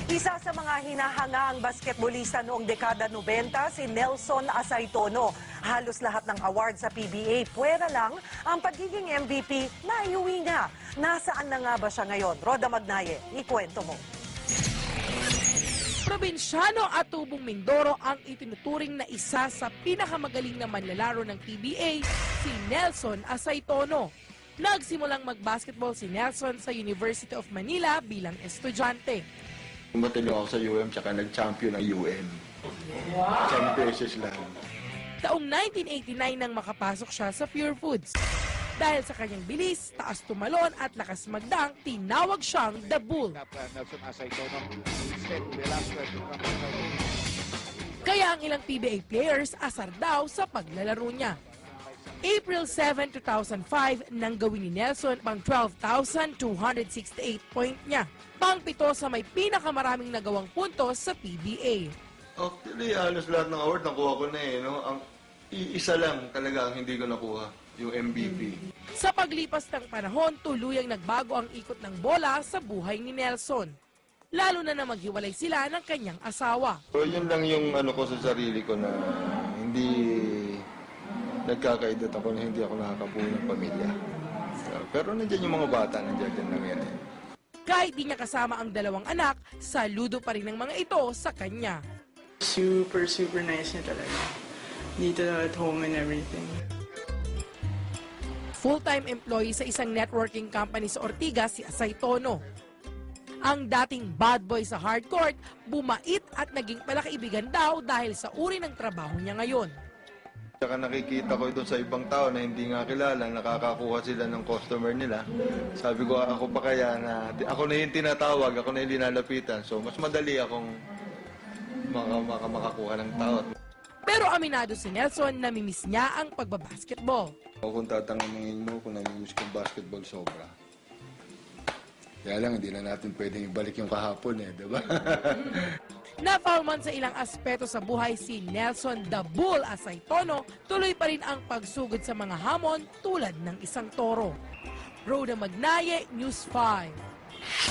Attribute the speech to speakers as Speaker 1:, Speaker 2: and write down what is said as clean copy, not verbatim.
Speaker 1: Isa sa mga hinahangaang basketballista noong dekada 90, si Nelson Asaytono. Halos lahat ng award sa PBA, puwera lang ang pagiging MVP na iuwi niya. Nasaan na nga ba siya ngayon? Roda Magnaye, ikwento mo.
Speaker 2: Probinsyano at Tubong Mindoro ang itinuturing na isa sa pinakamagaling na manlalaro ng PBA, si Nelson Asaytono. Nagsimulang mag-basketball si Nelson sa University of Manila bilang estudyante.
Speaker 3: Matalo ako sa UM tsaka nag-champion ng UM. Wow. 10 pesos lang.
Speaker 2: Taong 1989 nang makapasok siya sa Pure Foods. Dahil sa kanyang bilis, taas tumalon at lakas magdang, tinawag siyang The Bull. Kaya ang ilang PBA players asar daw sa paglalaro niya. April 7, 2005 nang gawin ni Nelson pang 12,268 point niya. Pang-pito sa may pinakamaraming nagawang puntos sa PBA.
Speaker 3: Actually, halos lahat ng award nakuha ko na eh. No? Ang isa lang talaga ang hindi ko nakuha, yung MVP.
Speaker 2: Sa paglipas ng panahon, tuluyang nagbago ang ikot ng bola sa buhay ni Nelson. Lalo na maghiwalay sila ng kanyang asawa.
Speaker 3: So yun lang yung ano ko sa sarili ko na hindi nagkakaedad ako na hindi ako nakakabuo ng pamilya. So, pero nandiyan yung mga bata, nandiyan lang yan eh.
Speaker 2: Kahit di niya kasama ang dalawang anak, saludo pa rin ng mga ito sa kanya.
Speaker 4: Super nice niya talaga. Dito at home and everything.
Speaker 2: Full-time employee sa isang networking company sa Ortigas, si Asaytono. Ang dating bad boy sa hardcourt, bumait at naging palakaibigan daw dahil sa uri ng trabaho niya ngayon.
Speaker 3: Tsaka nakikita ko ito sa ibang tao na hindi nga kilala, nakakakuha sila ng customer nila. Sabi ko, ako pa kaya na, ako na yung tinatawag, ako na yung linalapitan. So, mas madali akong makakuha ng tao.
Speaker 2: Pero aminado si Nelson na namimiss niya ang pagbabasketball.
Speaker 3: Kung tatanungin mo kung namimiss kong basketball, sobra. Kaya lang, hindi na natin pwedeng ibalik yung kahapon eh, di ba?
Speaker 2: Na-foul man sa ilang aspeto sa buhay si Nelson The Bull Asaytono, tuloy pa rin ang pagsugod sa mga hamon tulad ng isang toro. Roda Magnaye, News 5.